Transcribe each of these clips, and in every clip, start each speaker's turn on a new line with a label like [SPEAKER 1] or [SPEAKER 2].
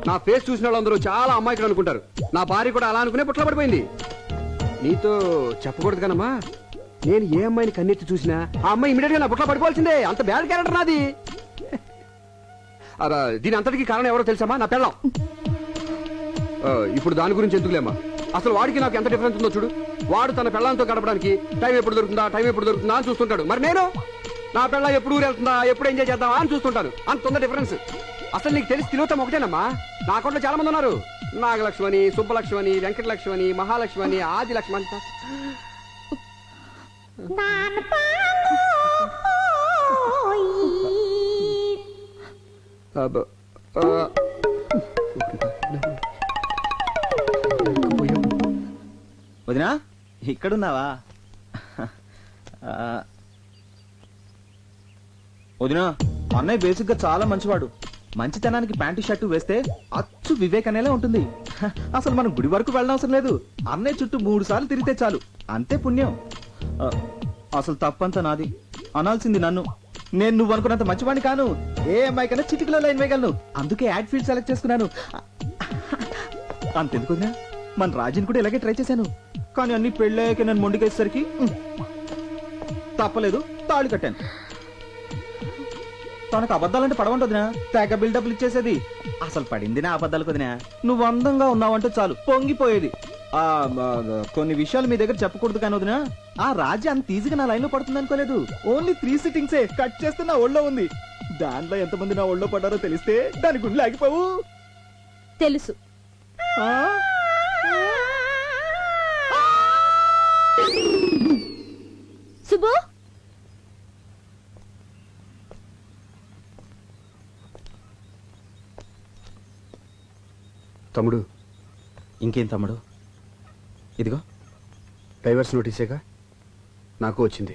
[SPEAKER 1] నా ఫేస్ చూసిన వాళ్ళందరూ చాలా అమ్మాయికులు అనుకుంటారు. నా భార్య కూడా అలా అనుకునే పుట్ల పడిపోయింది. నీతో చెప్పకూడదు కనమ్మా, నేను ఏ అమ్మాయిని కన్నెత్తి చూసినా ఆ అమ్మాయి ఇమీడియట్ గా నా పుట్ల పడిపోవాల్సిందే. అంత బ్యాడ్ క్యారెక్టర్ నాది. దీని అంతటికి కారణం ఎవరో తెలుసామా? నా పెళ్ళం. ఇప్పుడు దాని గురించి ఎందుకులేమ్మా, అసలు వాడికి నాకు ఎంత డిఫరెన్స్ ఉందో చూడు. వాడు తన పెళ్ళంతో గడపడానికి టైం ఎప్పుడు దొరుకుతుందా అని చూస్తుంటాడు. మరి నేను నా పెళ్ళ ఎప్పుడు ఊరు వెళ్తుందా, ఎప్పుడు ఎంజాయ్ చేద్దామా అని చూస్తుంటాను. అంత ఉంది డిఫరెన్స్. అసలు నీకు తెలిసి తిలోత్తం ఒకటేనమ్మా. నా అకౌంట్లో చాలా మంది ఉన్నారు. నాగలక్ష్మణి, సుబ్బలక్ష్మణి, వెంకటలక్ష్మణి, మహాలక్ష్మణి, ఆదిలక్ష్మణి.
[SPEAKER 2] వదినా ఇక్కడున్నావా? వదినా, అన్నయ్య బేసిక్ గా చాలా మంచివాడు. మంచితనానికి ప్యాంటు షర్టు వేస్తే అచ్చు వివేక్ అనేలా ఉంటుంది. అసలు మనం గుడి వరకు వెళ్ళనవసరం లేదు. అన్నయ్య చుట్టూ 3 సార్లు తిరిగితే చాలు, అంతే పుణ్యం. అసలు తప్పంతా నాది, అనాల్సింది నన్ను. నేను నువ్వు అనుకున్నంత మంచివాడిని కాను. ఏ అమ్మాయి కన్నా చిటికలో లైన్ వేయగలను. అందుకే యాడ్ ఫీల్డ్ సెలెక్ట్ చేసుకున్నాను. అంతెందుకు వదినా, మన రాజుని కూడా ఇలాగే ట్రై చేశాను. కానీ అన్ని పెళ్ళాక నన్ను మొండికేసరికి తప్పలేదు, తాళి కట్టాను. తనకు అబద్ధాలంటే పడవంటదినా, తెగ బిల్డప్లు ఇచ్చేసేది. అసలు పడింది నా అబద్ధాలకు వదినా. నువ్వు అందంగా ఉన్నావంటే చాలు పొంగిపోయేది. కొన్ని విషయాలు మీ దగ్గర చెప్పకూడదు కానీ వదినా, ఆ రాజ్య అంత ఈజీగా నా లైన్ లో పడుతుంది అనుకోలేదు. ఓన్లీ 3 సిట్టింగ్సే కట్ చేస్తే నా ఒళ్ళో ఉంది. దాంట్లో ఎంతమంది నా ఒళ్ళో పడ్డారో తెలిస్తే దాని గుండె ఆగిపోవు.
[SPEAKER 3] తెలుసు. సుబ్బు,
[SPEAKER 1] తమ్ముడు.
[SPEAKER 2] ఇంకేం తమ్ముడు? ఇదిగో
[SPEAKER 1] డైవర్స్ నోటీసేగా నాకు వచ్చింది.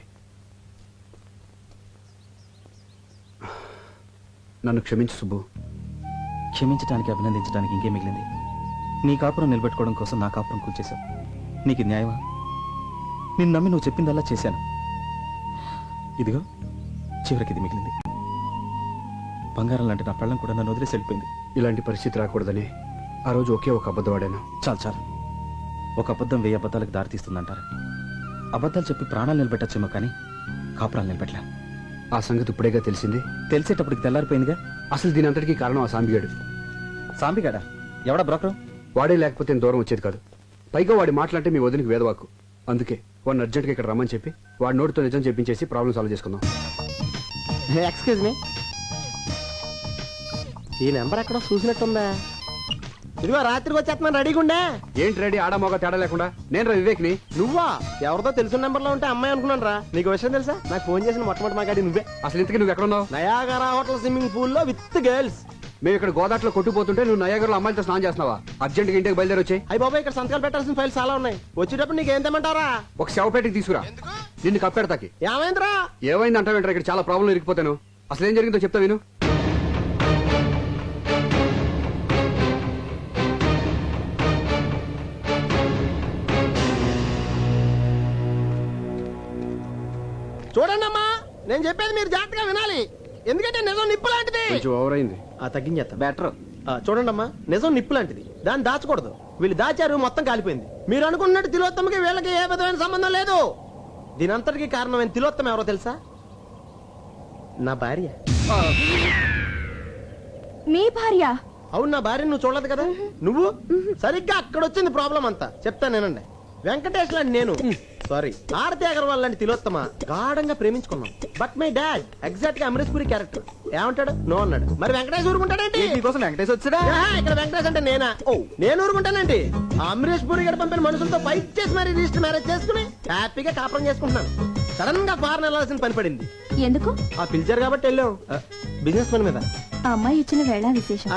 [SPEAKER 1] నన్ను క్షమించు సుబ్బు.
[SPEAKER 2] క్షమించడానికి, అభినందించడానికి ఇంకేం మిగిలింది? నీ కాపురం నిలబెట్టుకోవడం కోసం నా కాపురం కూల్చేశావు. నీకు న్యాయమా? నిన్ను నమ్మి నువ్వు చెప్పిందల్లా చేశాను. ఇదిగో చివరికి ఇది మిగిలింది. బంగారం లాంటి నా పెళ్ళం కూడా నన్ను వదిలేసి వెళ్ళిపోయింది.
[SPEAKER 1] ఇలాంటి పరిస్థితి రాకూడదని ఆ రోజు ఒకే ఒక అబద్ధం ఆడాను.
[SPEAKER 2] చాలు. ఒక అబద్ధం 1000 అబద్ధాలకు దారితీస్తుందంటారు. అబద్ధాలు చెప్పి ప్రాణాలు నిలబెట్టచ్చేమో కానీ కాపురాలు నిలబెట్టలే.
[SPEAKER 1] ఆ సంగతి ఇప్పుడేగా తెలిసింది.
[SPEAKER 2] తెలిసేటప్పటికి తెల్లారిపోయిందిగా.
[SPEAKER 1] అసలు దీని అంతటికీ కారణం ఆ సాంబిగాడు.
[SPEAKER 2] సాంబిగాడా? ఎవడా బ్రోకరు?
[SPEAKER 1] వాడే లేకపోతే దూరం వచ్చేది కాదు. పైగా వాడి మాటలంటే మీ వదినికి వేదవాకు. అందుకే వాడిని అర్జెంట్గా ఇక్కడ రమ్మని చెప్పి వాడి నోటితో నిజం చెప్పించేసి ప్రాబ్లం సాల్వ్ చేసుకుందాం.
[SPEAKER 4] ఎక్స్క్యూజ్ మీ, ఈ నెంబర్ ఎక్కడ చూసినట్టుందా? ఇదిగో రాత్రికి వచ్చేస్తున్నాను, రెడీగా ఉండే.
[SPEAKER 1] ఏంటి రెడీ? ఆడమోగా తేడా లేకుండా. నేను రా వివేక్ని.
[SPEAKER 4] నువ్వా? ఎవరితో తెలిసిన నెంబర్ లో ఉంటే అమ్మాయి అనుకున్నాను రా. నీకు విషయం తెలుసా? నాకు ఫోన్ చేసిన మొట్టమొదటి మాగాడి నువ్వే.
[SPEAKER 1] అసలు ఇంతకీ నువ్వు ఎక్కడ ఉన్నావు?
[SPEAKER 4] నయాగరా హోటల్ స్విమ్మింగ్ పూల్ లో విత్ గర్ల్స్.
[SPEAKER 1] మేము ఇక్కడ గోదాట్లో కొట్టుకుపోతుంటే నువ్వు నయాగర్లో అమ్మాయిలతో స్నానం చేస్తున్నావా? అర్జెంట్గా ఇంటికి బయలుదేరి వచ్చాయి.
[SPEAKER 4] అయ్యి బాబాయ్, ఇక్కడ సంతకాలు పెట్టాల్సిన ఫైల్స్ చాలా ఉన్నాయి. వచ్చేటప్పుడు నీకు ఏం తెమ్మంటారా?
[SPEAKER 1] ఒక శవపేటకి తీసుకురా. నిన్ను కప్పెడతాకి.
[SPEAKER 4] ఏమైందిరా?
[SPEAKER 1] ఏమైంది అంటావేంటారా? ఇక్కడ చాలా ప్రాబ్లం ఇరికిపోతాను. అసలు ఏం జరిగిందో చెప్తా విను.
[SPEAKER 4] చూడండి అమ్మా, నేను చెప్పేది మీరు జాగ్రత్తగా వినాలి. ఎందుకంటే నిజం నిప్పు లాంటిది.
[SPEAKER 1] కొంచెం ఓవర్ అయింది.
[SPEAKER 4] తగ్గించేస్తా. బెటర్. చూడండి అమ్మా, నిజం నిప్పు లాంటిది, దాన్ని దాచకూడదు. వీళ్ళు దాచారు, మొత్తం కాలిపోయింది. మీరు అనుకున్నట్టు తిలోత్తమకి వీళ్ళకి ఏ విధమైన సంబంధం లేదు. దీనంతటికి కారణమైన తిలోత్తమ ఎవరో తెలుసా? నా భార్య.
[SPEAKER 3] మీ భార్య?
[SPEAKER 4] అవును, నా భార్య. నువ్వు చూడలేదు కదా. నువ్వు సరిగ్గా అక్కడ వచ్చింది ప్రాబ్లం అంతా. చెప్తానేనండి. వెంకటేష్ లాంటి నేను, సారీ ఆరతి అగర్వాల్ లాంటి తిలోత్తమ గాఢంగా ప్రేమించుకున్నాం. బట్ మై డాడ్ ఎగ్జాక్ట్ గా అమరీష్ పురి క్యారెక్టర్. ఏమంటాడు? నో అన్నాడు. మరి వెంకటేష్ ఊరుకుంటాడేంటి?
[SPEAKER 2] నీకోసం వెంకటేష్ వచ్చాడా?
[SPEAKER 4] ఇక్కడ వెంకటేష్ అంటే నేనా? ఓ, నేను ఊరుకుంటానండి. అమరీష్ పురి గారు పంపిన మనుషులతో ఫైట్ చేసి మరి రిజిస్టర్ మ్యారేజ్ చేసుకుని హ్యాపీగా కాపురం చేసుకుంటున్నాను. సడన్ గా ఫారెన్ వెళ్ళాల్సిన పని పడింది.
[SPEAKER 3] ఎందుకు?
[SPEAKER 4] ఆ పిలిచారు కాబట్టి వెళ్ళాం. బిజినెస్ పని మీద.
[SPEAKER 3] ఆ అమ్మాయి ఇచ్చిన వేళ విశేషం.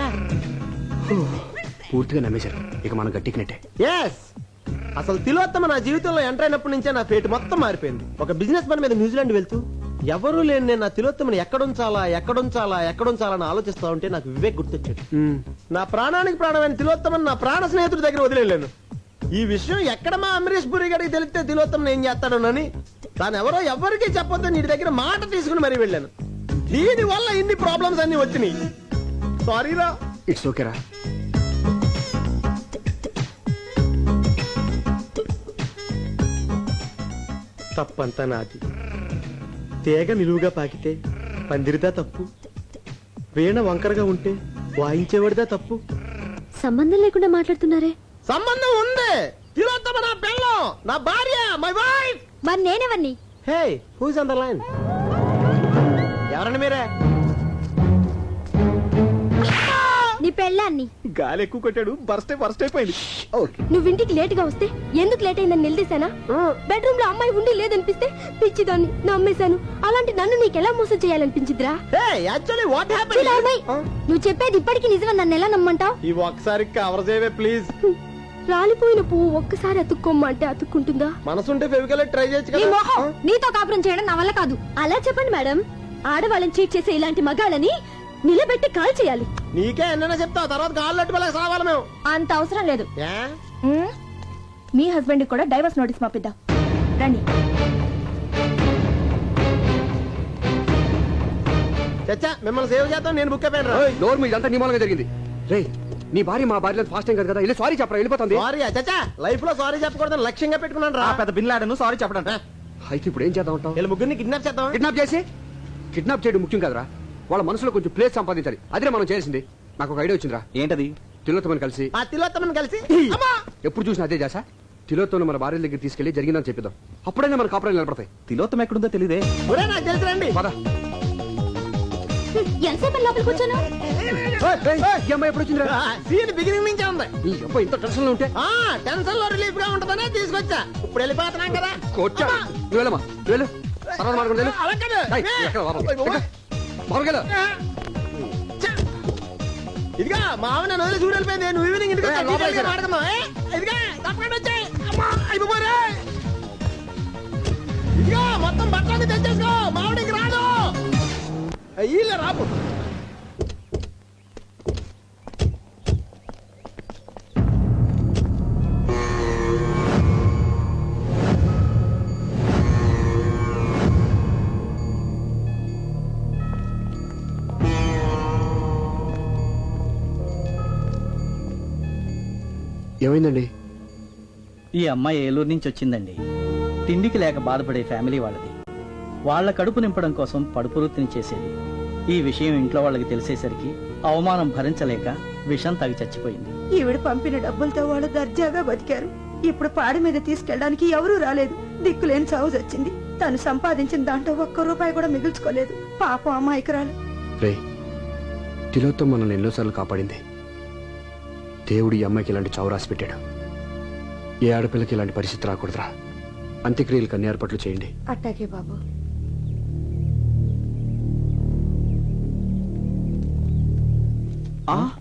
[SPEAKER 1] పూర్తిగా నమ్మేశారు. ఇక మనం గట్టికినట్టే.
[SPEAKER 4] ఎస్, అసలు తిలోత్తమ నా జీవితంలో ఎంటర్ అయినప్పటి నుంచే నా ఫేట్ మొత్తం మారిపోయింది. ఒక బిజినెస్ పని మీద న్యూజిలాండ్ వెళ్తూ ఎవరూ లేని నేను నా తిలోత్తమని ఎక్కడుంచాలని ఆలోచిస్తా ఉంటే నాకు వివేక్ గుర్తొచ్చాడు. నా ప్రాణానికి ప్రాణమైన తిలోత్తమని నా ప్రాణ స్నేహితుడి దగ్గర వదిలేను. ఈ విషయం ఎక్కడ మా అమరీష్ పురి గారికి తెలిస్తే తిలోత్తమని ఏం చేస్తాడోనని తాను ఎవరికీ చెప్పొద్దు నీ దగ్గర మాట తీసుకుని మరీ వెళ్ళాను. దీని వల్ల ఇన్ని ప్రాబ్లమ్స్ అన్ని వచ్చినాయి. సారీరా.
[SPEAKER 1] ఇట్స్ ఓకేరా.
[SPEAKER 4] తప్పంతా నాది. తీగ నిలువుగా పాకితే పందిరిదా తప్పు, వీణ వంకరగా ఉంటే వాయించేవాడిదా తప్పు.
[SPEAKER 3] సంబంధం లేకుండా మాట్లాడుతున్నారే.
[SPEAKER 4] సంబంధం ఉంది. తిలోత్తమ నా పెళ్ళం, నా భార్య, మై వైఫ్.
[SPEAKER 3] మరి నేనెవరిని?
[SPEAKER 4] Hey, who's on the line? ఎవరండి మీరే?
[SPEAKER 3] నీ పెళ్ళాన్ని.
[SPEAKER 2] గాలి ఎక్కువ కొట్టాడు, బర్స్ట్ అయిపోయింది. ఓకే.
[SPEAKER 3] నువ్వు ఇంటికి లేట్ గా వస్తే ఎందుకు లేట్ అయిందని నిలదీశానా? బెడ్రూమ్ లో అమ్మాయి ఉండి లేదనిపిస్తే పిచ్చిదాన్ని నమ్మేశాను. అలాంటి నన్ను నీకెలా మోసం చేయాలనిపించిద్రా?
[SPEAKER 4] Hey, actually what happened?
[SPEAKER 3] చూడాలి, నువ్వు చెప్పేది ఇప్పటికీ నిజమని నన్ను ఎలా నమ్మంటావు?
[SPEAKER 4] ఈ ఒక్కసారి కవర్ చేయవే ప్లీజ్.
[SPEAKER 3] రాలిపోయిన పువ్వు ఒక్కసారి అతుక్కోమ్మంటే అతుక్కుంటుందా?
[SPEAKER 4] మనసుంటే ఫెవికల్ ట్రై చేయొచ్చు
[SPEAKER 3] నీ
[SPEAKER 4] కదా.
[SPEAKER 3] మొహం, నీతో కాపురం చేయడం నా వల్ల కాదు. అలా చెప్పండి మేడం. ఆడవాళ్ళని చీట్ చేసే ఇలాంటి మగాళ్ళని నిలబెట్టి కాల్ చేయాలి.
[SPEAKER 4] నీకే ఎన్నైనా చెప్తావు, తర్వాత కాళ్ళు వాళ్ళకి సావాలి మేము.
[SPEAKER 3] అంత అవసరం లేదు.
[SPEAKER 4] ఏ?
[SPEAKER 3] మీ హస్బెండ్ కూడా డైవర్స్ నోటీస్ పంపిద్దాం రండి.
[SPEAKER 4] చచ్చా, మిమ్మల్ని సేవ్ చేద్దాం, నేను బుక్ అయిపోయాను.
[SPEAKER 1] నోరు మీద ఇదంతా నీ మూలంగా జరిగింది. రే, నీ భార్య మా భార్య ఫాస్ట్ టైం కదా, వెళ్ళి సారీ చెప్పరా, వెళ్ళిపోతుంది.
[SPEAKER 4] సారీ చచ్చా, లైఫ్ లో సారీ చెప్పకూడదని లక్ష్యంగా పెట్టుకున్నాను రా.
[SPEAKER 2] ఆ పెద్ద బిన్లాడను సారీ చెప్పడం.
[SPEAKER 1] అయితే ఇప్పుడు ఏం చేద్దాం అంటావు?
[SPEAKER 4] వీళ్ళ ముగ్గురిని కిడ్నాప్ చేద్దాం.
[SPEAKER 1] కిడ్నాప్ చేసి కిడ్నాప్ చేయడం ముఖ్యం కదరా, వాళ్ళ మనసులో కొంచెం ప్లేస్ సంపాదించాలి. అదే మనం చేసింది. నాకు ఒక ఐడియా వచ్చిందిరా.
[SPEAKER 2] ఏంటది?
[SPEAKER 1] తిలోత్తమని కలిసి
[SPEAKER 4] ఆ తిలోత్తమని కలిసి అమ్మా!
[SPEAKER 1] ఎప్పుడు చూసినా అదే చేసా. తిలోత్తమని మన భార్య దగ్గర తీసుకెళ్లి జరిగిందని చెప్పిద్దాం. అప్పుడైనా మన కాపురాలు నిలబడతాయి.
[SPEAKER 2] తిలోత్తం ఎక్కడుందో తెలియదే.
[SPEAKER 4] ఒరే, నాకు తెలిసి రండి.
[SPEAKER 1] పద.
[SPEAKER 3] ఎంతసేపు లోపలికి కూర్చోను?
[SPEAKER 1] ఈ అమ్మాయి ఎప్పుడు వచ్చిందిరా?
[SPEAKER 4] సీన్ బిగినింగ్ నుంచే ఉంది.
[SPEAKER 1] ఈ అబ్బాయి ఇంత టెన్షన్ లో ఉంటే
[SPEAKER 4] ఆ టెన్షన్ లో రిలీఫ్ గా ఉంటదనే తీసుకొచ్చా. ఇప్పుడు వెళ్ళిపోతున్నాం కదా.
[SPEAKER 1] కొట్టా. నువ్వు వెళ్ళమ్మా, నువ్వు వెళ్ళు. తర్వాత మాట్లాడుకుంటూ వెళ్ళు.
[SPEAKER 4] అలా కాదు.
[SPEAKER 1] ఏయ్, ఎక్కడ లోపలికి? ఎక్కడ? లోపలికి వెళ్ళు.
[SPEAKER 4] చ్చ! ఇదిగా మా ఆవిడ నన్ను వదిలి చూడు వెళ్ళిపోయింది. నువ్వు ఈవినింగ్ ఇంటికి వచ్చా,
[SPEAKER 1] లోపలికి
[SPEAKER 4] డీటెయిల్గా మాట్లాడుకుందాం. ఇదిగా తప్పకుండా వచ్చాయి. అమ్మా, అయిపోరే. ఇదిగా మొత్తం బట్టలన్నీ తెచ్చేసుకో, మా ఆవిడకి రాదు. వీళ్ళే రాపు.
[SPEAKER 1] ఏమైందండి?
[SPEAKER 5] ఈ అమ్మాయి ఏలూరు నుంచి వచ్చిందండి. తిండికి లేక బాధపడే ఫ్యామిలీ వాళ్ళది. వాళ్ళ కడుపు నింపడం కోసం పడుపు వృత్తిని చేసేది. ఈ విషయం ఇంట్లో వాళ్ళకి తెలిసేసరికి అవమానం భరించలేక విషం తాగి చచ్చిపోయింది.
[SPEAKER 6] ఈవిడ పంపిన డబ్బులతో వాళ్ళు దర్జాగా బతికారు. ఇప్పుడు పాడి మీద తీసుకెళ్ళడానికి ఎవరూ రాలేదు. దిక్కులేని చావు వచ్చింది. తను సంపాదించిన దాంట్లో ఒక్క రూపాయి కూడా మిగుల్చుకోలేదు. పాపం అమాయకురాలు.
[SPEAKER 1] రే, తిలోత్తం మనల్ని ఎన్నోసార్లు కాపాడింది. దేవుడు ఈ అమ్మాయికి ఇలాంటి చావు రాసి పెట్టాడు. ఏ ఆడపిల్లకి ఇలాంటి పరిస్థితి రాకూడదురా. అంత్యక్రియలకు అన్ని ఏర్పాట్లు చేయండి.
[SPEAKER 6] అట్టాకే బాబు.
[SPEAKER 2] ఆ